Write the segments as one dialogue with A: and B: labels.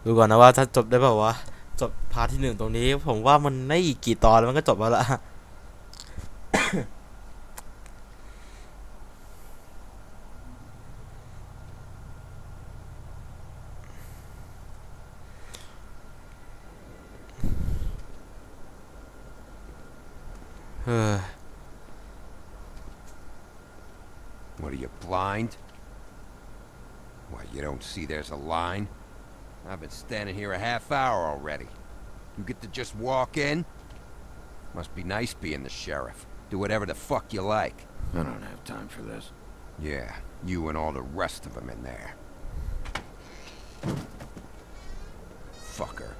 A: ดูก่อนนะว่าถ้าจบได้เปล่าวะจบพาร์ทที่หนึ่งตรงนี้ผมว่ามันไม่อีกกี่ตอนแล้วมันก็จบแล้วละเออ
B: What are you, blind? Why, you don't see there's a line? I've been standing here a half hour already. You get to just walk in? Must be nice being the sheriff. Do whatever the fuck you like.
C: I don't have time for this.
B: Yeah, you and all the rest of them in there. Fucker.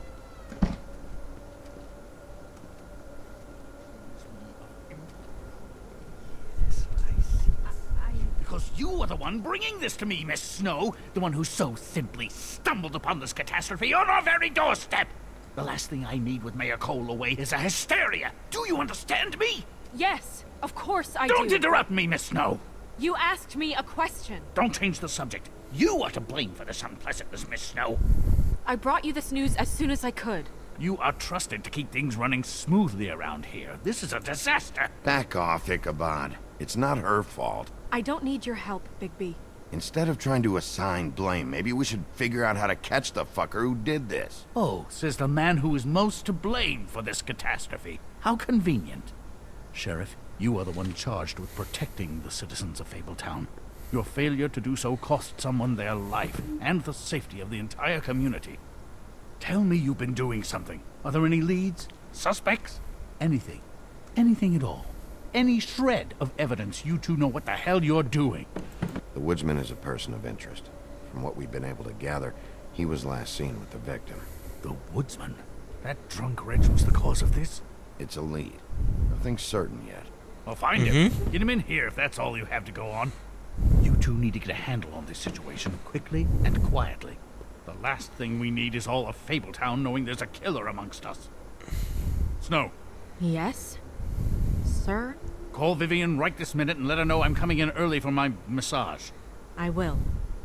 D: Because you are the one bringing this to me, Miss Snow. The one who so simply stumbled upon this catastrophe on our very doorstep. The last thing I need with Mayor Cole away is a hysteria. Do you understand me?
E: Yes, of course I do.
D: Don't interrupt me, Miss Snow.
E: You asked me a question.
D: Don't change the subject. You are to blame for this unpleasantness, Miss Snow.
E: I brought you this news as soon as I could.
D: You are trusted to keep things running smoothly around here. This is a disaster.
C: Back off, Ichabod. It's not her fault.
E: I don't need your help, Bigby.
C: Instead of trying to assign blame, maybe we should figure out how to catch the fucker who did this.
D: Oh, says the man who is most to blame for this catastrophe. How convenient. Sheriff, you are the one charged with protecting the citizens of Fabletown. Your failure to do so cost someone their life and the safety of the entire community. Tell me you've been doing something. Are there any leads? Suspects? Anything. Anything at all. Any shred of evidence you two know what the hell you're doing.
C: The woodsman is a person of interest. From what we've been able to gather, he was last seen with the victim.
D: The woodsman? That drunk wretch was the cause of this?
C: It's a lead. Nothing's certain yet.
D: I'll find him. Get him in here if that's all you have to go on. You two need to get a handle on this situation quickly and quietly. The last thing we need is all of Fabletown knowing there's a killer amongst us. Snow,
E: Yes? Sir?
D: call Vivian right this minute and let her know I'm coming in early for my massage.
E: I will.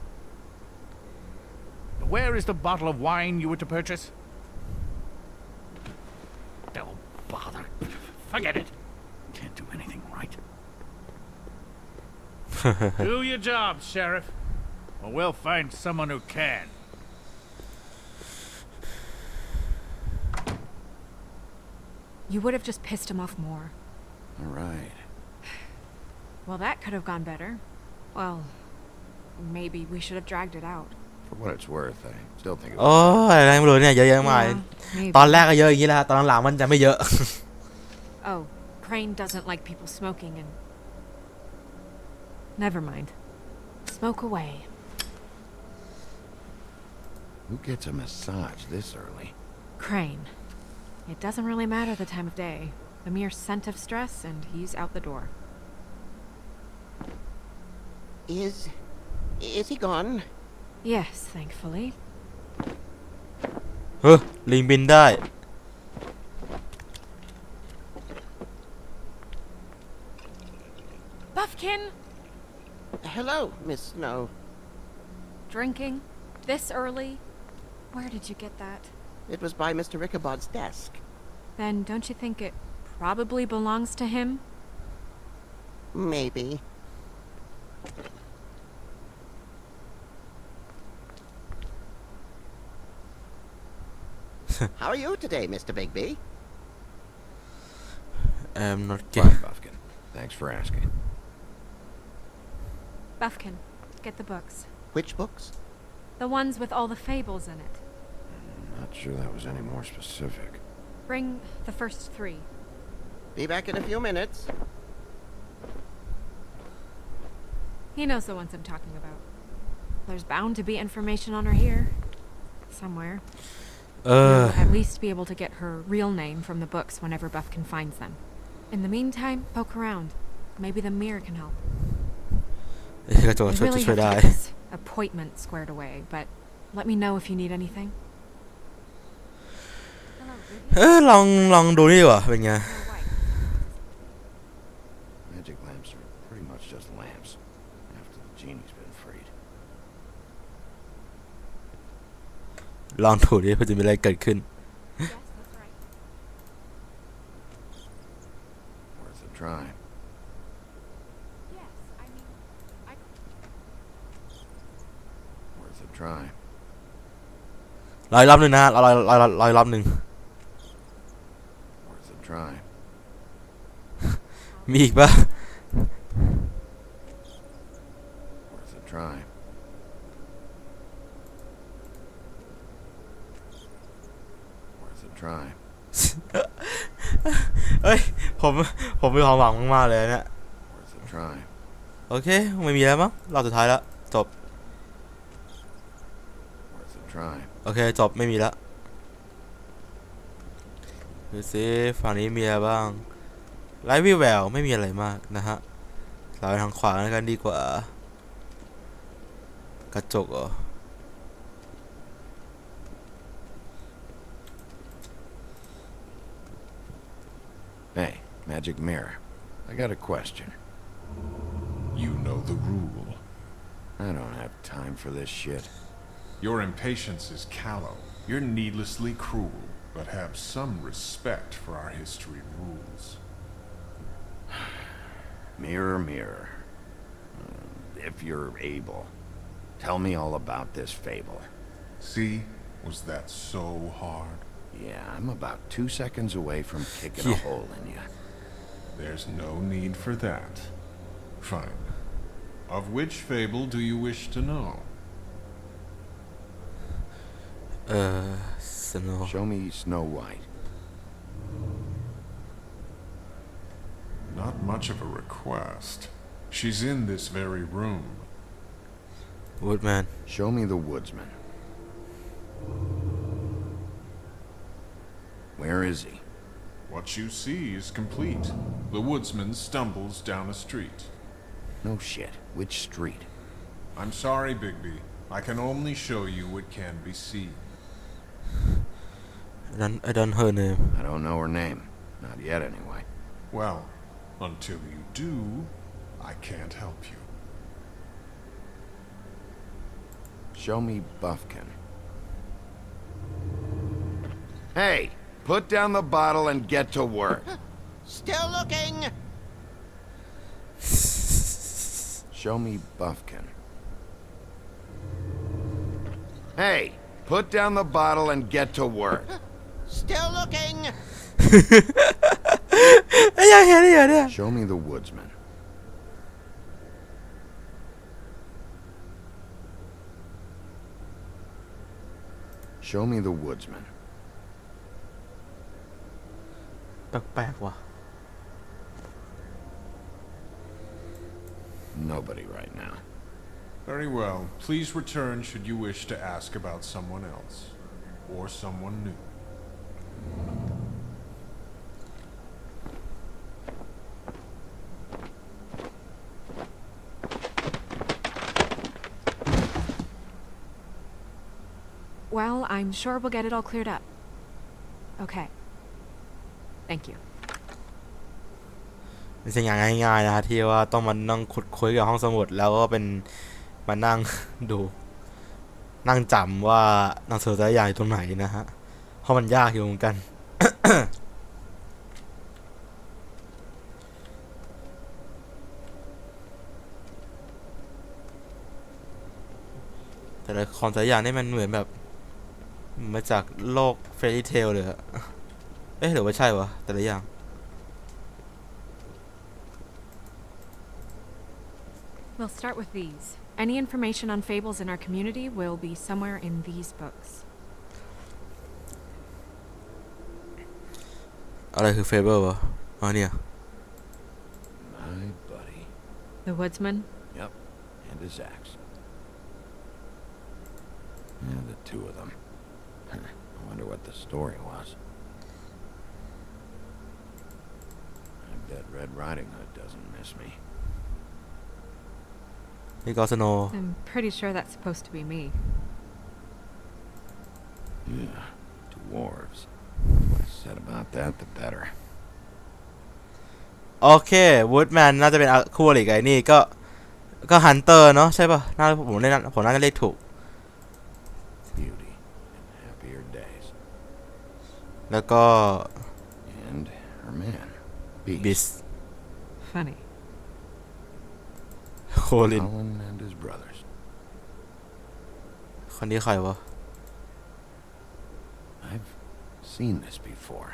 D: Where is the bottle of wine you were to purchase? Oh, bother. Forget it. Can't do anything right. Do your job, Sheriff. Or we'll find someone who can.
E: You would have just pissed him off more.
C: All right.
E: Well, that could have gone better. Well, maybe we should have dragged it out.
C: For what it's worth, I still think it
A: โอ้ยอะไรไม่รู้เนี่ยเยอะแยะมาก
E: Yeah, maybe.
A: ตอนแรกก็เยอะอย่างนี้แหละตอนหลังๆมันจะไม่เยอะ
E: Oh, Crane doesn't like people smoking and... Never mind. Smoke away.
C: Who gets a massage this early?
E: Crane. It doesn't really matter the time of day. A mere scent of stress and he's out the door.
F: Is he gone?
E: Yes, thankfully.
A: เฮ้ยลิงบินได้
E: Buffkin!
F: Hello, Miss Snow.
E: Drinking? This early? Where did you get that?
F: It was by Mr. Ichabod's desk.
E: Then don't you think it probably belongs to him?
F: Maybe. How are you today, Mr. Bigby?
A: not
C: Fine, Buffkin. Thanks for asking.
E: Buffkin, get the books.
F: Which books?
E: The ones with all the fables in it.
C: Not sure that was any more specific.
E: Bring the first 3.
F: Be back in a few minutes.
E: He knows the ones I'm talking about. There's bound to be information on her here. Somewhere. You'll at least be able to get her real name from the books whenever Buffkin finds them. In the meantime, poke around. Maybe the mirror can help.
A: กระจก
E: I
A: ช่วย
E: really
A: ช่วย
E: have
A: ได้
E: to get this appointment squared away, but let me know if you need anything. Hello, Vivian.
A: ลองดูนี่ดีกว่าเป็นไง
E: Your wife.
C: Magic lamps are pretty much just lamps. After the genie's been freed.
A: ลองถูดิเพื่อจะมีอะไรเกิดขึ้น
E: Yes, that's right.
C: Worth a try.
E: Yes, I mean, I.
C: Worth a try.
A: รออีกรอบหนึ่งนะฮะรออีกรอบหนึ่ง
C: Worth a try.
A: มีอีกปะ
C: Worth a try. Worth a try.
A: เอ้ยผมมีความหวังมากๆเลยเนี่ย
C: Worth a try.
A: โอเคไม่มีแล้วมั้งรอบสุดท้ายแล้วจบ
C: Worth a try.
A: โอเคจบไม่มีแล้วดูสิฝั่งนี้มีอะไรบ้างไลฟ์วิวแววไม่มีอะไรมากนะฮะเราไปทางขวาแล้วกันดีกว่ากระจกเหรอ
C: Hey, magic mirror. I got a question.
G: You know the rule.
C: I don't have time for this shit.
G: Your impatience is callow. You're needlessly cruel, but have some respect for our history rules.
C: Mirror, mirror. If you're able, tell me all about this fable.
G: See? Was that so hard?
C: Yeah, I'm about 2 seconds away from kicking a
A: Yeah.
C: hole in you.
G: There's no need for that. Fine. Of which fable do you wish to know?
A: สโน
C: Show me Snow White.
G: Not much of a request. She's in this very room.
A: วูดแมน
C: Show me the woodsman. Where is he?
G: What you see is complete. The woodsman stumbles down a street.
C: No shit. Which street?
G: I'm sorry, Bigby. I can only show you what can be seen.
A: I don't her name
C: I don't know her name. Not yet, anyway.
G: Well, until you do, I can't help you.
C: Show me Buffkin. Hey! Put down the bottle and get to work.
F: Still looking.
C: Show me Buffkin. Hey! Put down the bottle and get to work.
F: Still looking.
A: ไอ้ยังเห็นได้ยังเนี่ย
C: Show me the woodsman. Show me the woodsman.
A: แปลกๆว่ะ
C: Nobody right now.
G: Very well. Please return should you wish to ask about someone else. Or someone new.
E: Well, I'm sure we'll get it all cleared up. Okay. Thank you.
A: ไม่ใช่งานง่ายๆนะฮะที่ว่าต้องมานั่งขุดคุยกับห้องสมุดแล้วก็เป็นมานั่ง ดูนั่งจำว่าหนังสือแต่ละอย่างอยู่ตรงไหนนะฮะเพราะมันยากอยู่เหมือนกัน แต่ละของแต่ละอย่างนี่มันเหมือนแบบมาจากโลกเฟรรี่เทลเลยอะเอ๊ะหรือว่าใช่วะแต่ละอย่าง
E: We'll start with these. Any information on fables in our community will be somewhere in these books.
A: อะไรคือเฟเบอร์วะอ๋อเนี่ย
C: My buddy.
E: The woodsman?
C: Yep. And his axe. Yeah, the two of them. I wonder what the story was. I bet Red Riding Hood doesn't miss me.
A: นี่ก็สโน
E: I'm pretty sure that's supposed to be me.
C: Yeah, dwarves. The less said about that, the better.
A: โอเควูดแมนน่าจะเป็นคู่อริกับไอ้นี่ก็ฮันเตอร์เนาะใช่ป่ะน่าผมน่าจะเรียกถูก
C: Beauty and have days.
A: แล้วก็
C: And her man,
A: บิส
E: Funny.
A: โคลิน
C: Colin and his brothers.
A: คนนี้ใครวะ
C: I've seen this before.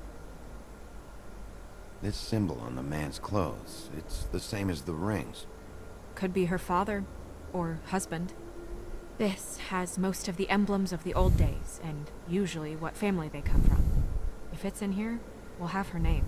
C: This symbol on the man's clothes, it's the same as the rings.
E: Could be her father or husband. This has most of the emblems of the old days and usually what family they come from. If it's in here, we'll have her name.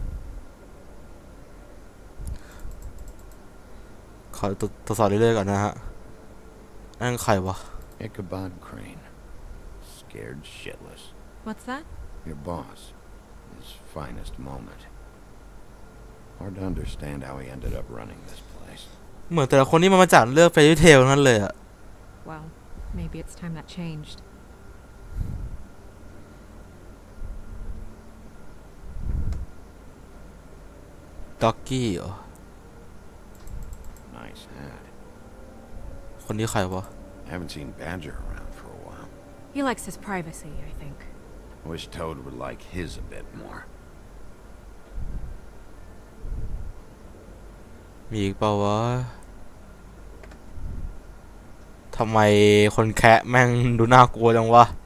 A: ขอตรวจสอบเรื่อยๆก่อนนะฮะนั่นใครวะ
C: Ichabod Crane. Scared shitless.
E: What's that?
C: Your boss. His finest moment. Hard to understand how he ended up running this place.
A: เหมือนแต่ละคนนี่มันมาจากเรื่อง Fairy Tail ทั้งนั้นเลยอะ
E: Well, maybe it's time that changed.
A: ด็อกกี้เหรอ
C: Nice hat.
A: คนนี้ใครวะ
C: Haven't seen Badger around for a while.
E: He likes his privacy, I think.
C: Wish Toad would like his a bit more.
A: มีอีกเปล่าวะทำไมคนแคะแม่งดูน่ากลัวจังวะ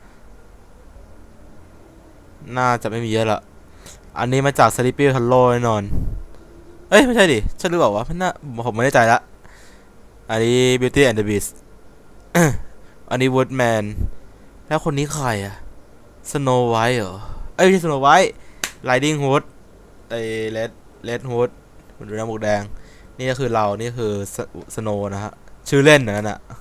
A: น่าจะไม่มีเยอะละอันนี้มาจาก Sleepy Hollow แน่นอนเอ้ยไม่ใช่ดิใช่หรือเปล่าวะผมไม่แน่ใจละอันนี้ Beauty and the Beast อันนี้ Woodman แล้วคนนี้ใครอะ Snow White เหรอเอ้ยไม่ใช่ Snow White Riding Hood ไอ้ Red Hood มันดูหน้าหมวกแดงนี่ก็คือเรานี่คือ Snow นะฮะชื่อเล่นนั่นน่ะ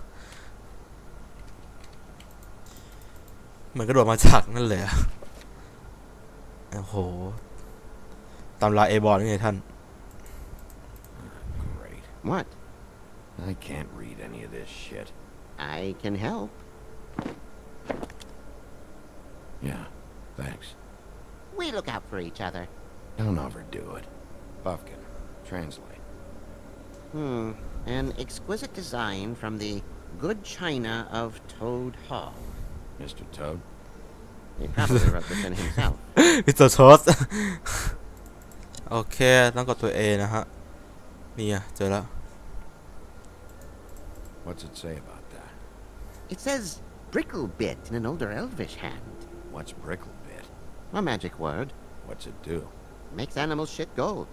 A: เหมือนกระโดดมาจากนั่นเลยอะโอ้โหตำราเอบอลนี่ไงท่าน
C: Great.
F: What?
C: I can't read any of this shit.
F: I can help.
C: Yeah, thanks.
F: We look out for each other.
C: Don't overdo it. Buffkin, translate.
F: An exquisite design from the good china of Toad Hall.
C: Mr. Toad?
F: He probably wrote this in himself.
A: มิสเตอร์โทส โอเคต้องกดตัว A นะฮะนี่อะเจอแล้ว
C: What's it say about that?
F: It says Bricklebit in an older elvish hand.
C: What's Bricklebit?
F: A magic word.
C: What's it do?
F: Makes animals shit gold.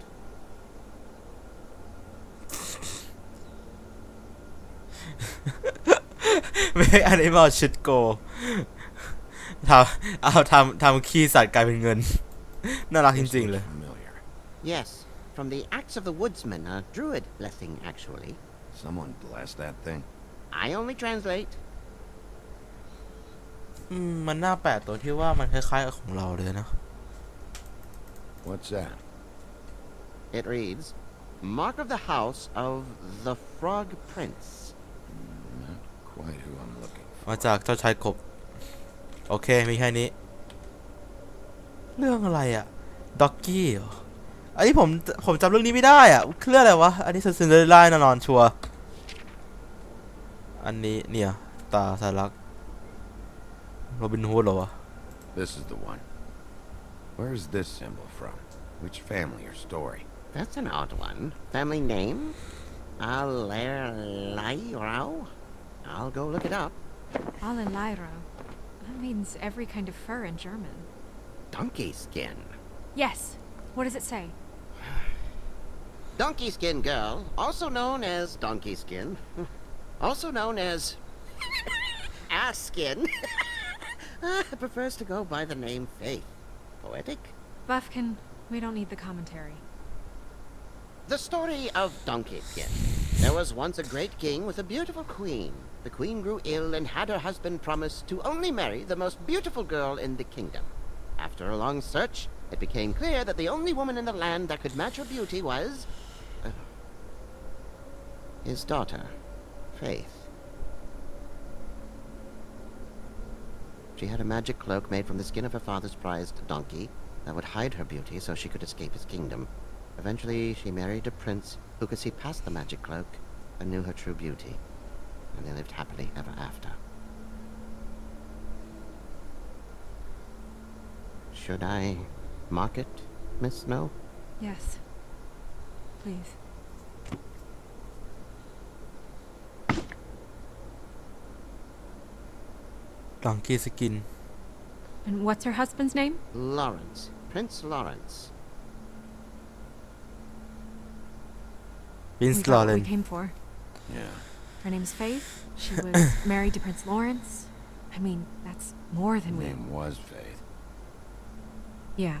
A: ไม่อันนี้มาชิดโกทำขี้สัตว์กลายเป็นเงิน น่ารักจ
C: This
A: ริงๆ
C: looks
A: เลย
C: familiar.
F: Yes, from the Axe of the Woodsman, a druid blessing, actually.
C: Someone bless that thing.
F: I only translate.
A: มันน่าแปลกตัวที่ว่ามันคล้ายๆกับของเราเลยนะ
C: What's that?
F: It reads, Mark of the House of the Frog Prince.
C: Not quite who I'm looking for.
A: มาจากเจ้าชายกบโอเคมีแค่นี้เรื่องอะไรอะด็อกกี้เหรออันนี้ผมจำเรื่องนี้ไม่ได้อะเรื่องอะไรวะอันนี้ซินเดอเรลล่าแน่นอนชัวร์อันนี้เนี่ยตาสารักโรบินฮูดเหรอวะ
C: This is the one. Where is this symbol from? Which family or story?
F: That's an odd one. Family name? Alerlairao? I'll go look it up.
E: Alelairo. That means every kind of fur in German.
F: Donkey skin.
E: Yes. What does it say?
F: Donkey skin girl, also known as donkey skin, also known as ass skin, prefers to go by the name Faith. Poetic?
E: Buffkin, we don't need the commentary.
F: The story of Donkey Skin. There was once a great king with a beautiful queen. The queen grew ill and had her husband promise to only marry the most beautiful girl in the kingdom. After a long search, it became clear that the only woman in the land that could match her beauty was... his daughter, Faith. She had a magic cloak made from the skin of her father's prized donkey that would hide her beauty so she could escape his kingdom. Eventually, she married a prince who could see past the magic cloak and knew her true beauty. And they lived happily ever after.
A: โอเค มีแค่นี้
F: This is the story of Donkey Skin.
A: นะ
F: There was once a great king with a beautiful queen. The queen grew ill and had her husband promise to only marry the most beautiful girl in the kingdom. After a long search, it became clear that the only woman in the land that could match her beauty was... Should I mark it, Miss Snow?
E: Yes. Please.
A: Donkey Skin
E: And what's her husband's name?
F: Lawrence. Prince Lawrence.
A: Prince
E: We got what we
A: Lawrence
E: came for.
C: Yeah.
E: Her name's Faith. She was married to Prince Lawrence. I mean, that's more than
C: Her
E: we...
C: name was Faith.
E: Yeah.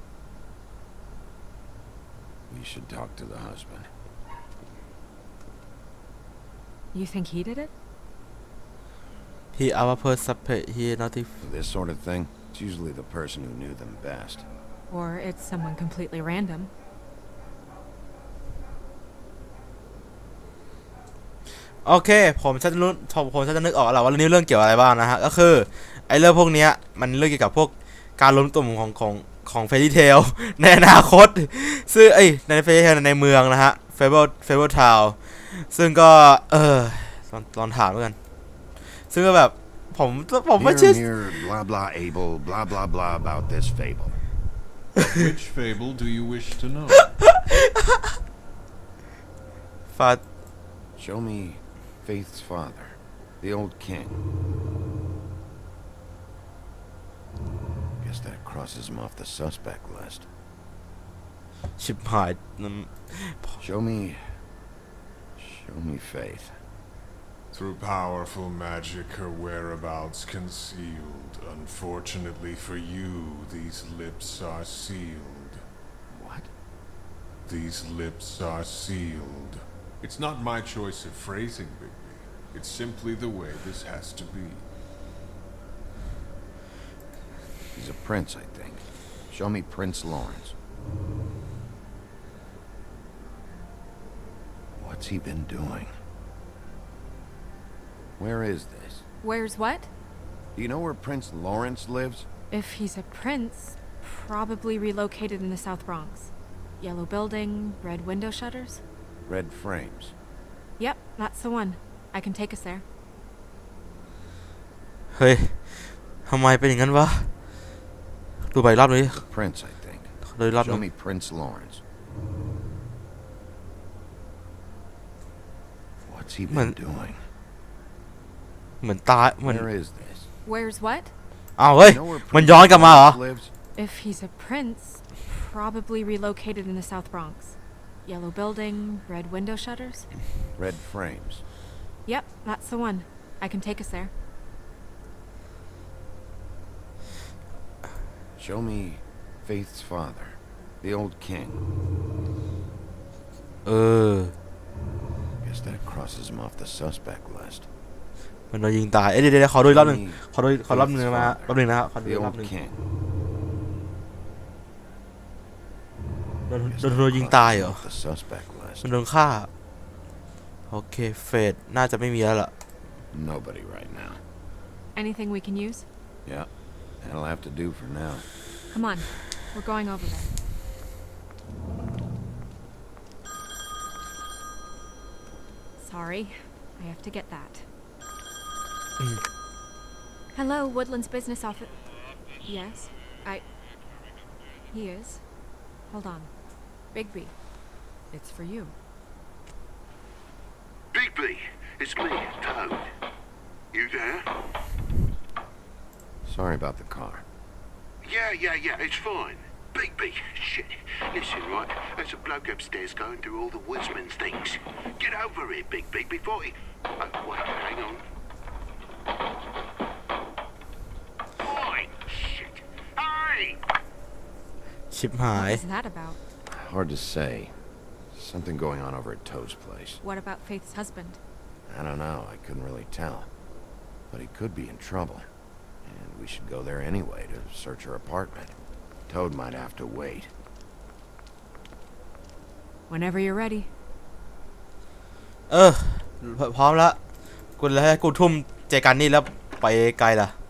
C: We should talk to the husband.
E: You think he did it?
A: he our person he not if
C: For this sort of thing, it's usually the person who knew them best.
E: Or it's someone completely random.
A: โอเคผมจะรู้ผมจะนึกออกแล้วว่าเรื่องนี้เรื่องเกี่ยวอะไรบ้างนะฮะก็คือไอ้เรื่องพวกเนี้ยมันเรื่องเกี่ยวกับพวกการล้มตุ่มของเฟรดี้เทล ในอนาคตซึ่งในเฟรดี้เทลในเมืองนะฮะเฟเบิลทาวน์ซึ่งก็ลองถามด้วยกันซึ่งก็แบบผมไม่เชื่อ
C: Here, blah blah able, blah blah blah about this fable.
G: Which fable do you wish to know?
A: ฟา
C: Show me Faith's father, the old king. Guess that crosses him off the suspect list.
A: ชิบหาย
C: Show me Faith.
G: Through powerful magic, her whereabouts concealed. Unfortunately for you, these lips are sealed.
C: What?
G: These lips are sealed. It's not my choice of phrasing, Bigby. It's simply the way this has to be.
C: He's a prince, I think. Show me Prince Lawrence. What's he been doing? Where is this?
E: Where's what?
C: Do you know where Prince Lawrence lives?
E: If he's a prince, probably relocated in the South Bronx. Yellow building, red window shutters?
C: Red frames.
E: Yep, that's the one. I can take us there.
A: เฮ้ยทำไมเป็นอย่างนั้นวะดูไปรอบนี้
C: The prince, I think.
A: ดูรอบนึ
C: Show
A: ง
C: me Prince Lawrence. What's he been doing?
A: เหมือนตายเหมือน
C: Where is this?
E: Where's what?
A: อ้าวเฮ้ย
C: You know where
A: มัน
C: Prince
A: ย้อนกลับมาเหรอ
C: Lawrence lives?
E: If he's a prince, probably relocated in the South Bronx. Yellow building, red window shutters?
C: Red frames.
E: Yep, that's the one. I can take us there.
C: Show me Faith's father, the old king.
A: เออ
C: Guess that crosses him off the suspect list.
A: มันโดนยิงตายเดี๋ยวขอดูอีกรอบหนึ่งขอรอบหนึ่งมาแป๊บนึงนะครับขอดู
C: The
A: อีกรอบ
C: old
A: หนึ่ง
C: king.
A: โดนยิงตายเหรอ
C: Off the suspect list.
A: มันโดนฆ่าโอเคเฟดน่าจะไม่มีแล้วล่ะ
C: Nobody right now.
E: Anything we can use?
C: Yeah, that'll have to do for now.
E: Come on. We're going over there. Sorry. I have to get that. Hello, Woodland's business office. Yes, He is. Hold on. Bigby. It's for you.
H: Bigby, it's me, Toad. You there?
C: Sorry about the car.
H: Yeah, it's fine. Bigby, shit. Listen, right, there's a bloke upstairs going through all the woodsman's things. Get over here, Bigby, before he... Oh, wait, hang on. Oi, shit. Hey!
A: ชิบหาย
E: What is that about?
C: Hard to say. Something going on over at Toe's place.
E: What about Faith's husband?
C: I don't know. I couldn't really tell. But he could be in trouble. And we should go there anyway to search her apartment. Toad might have to wait.
E: Whenever you're ready.
A: พร้อมแล้วกูเลยให้กูทุ่มเจกันนี่แล้วไปไกลล่ะ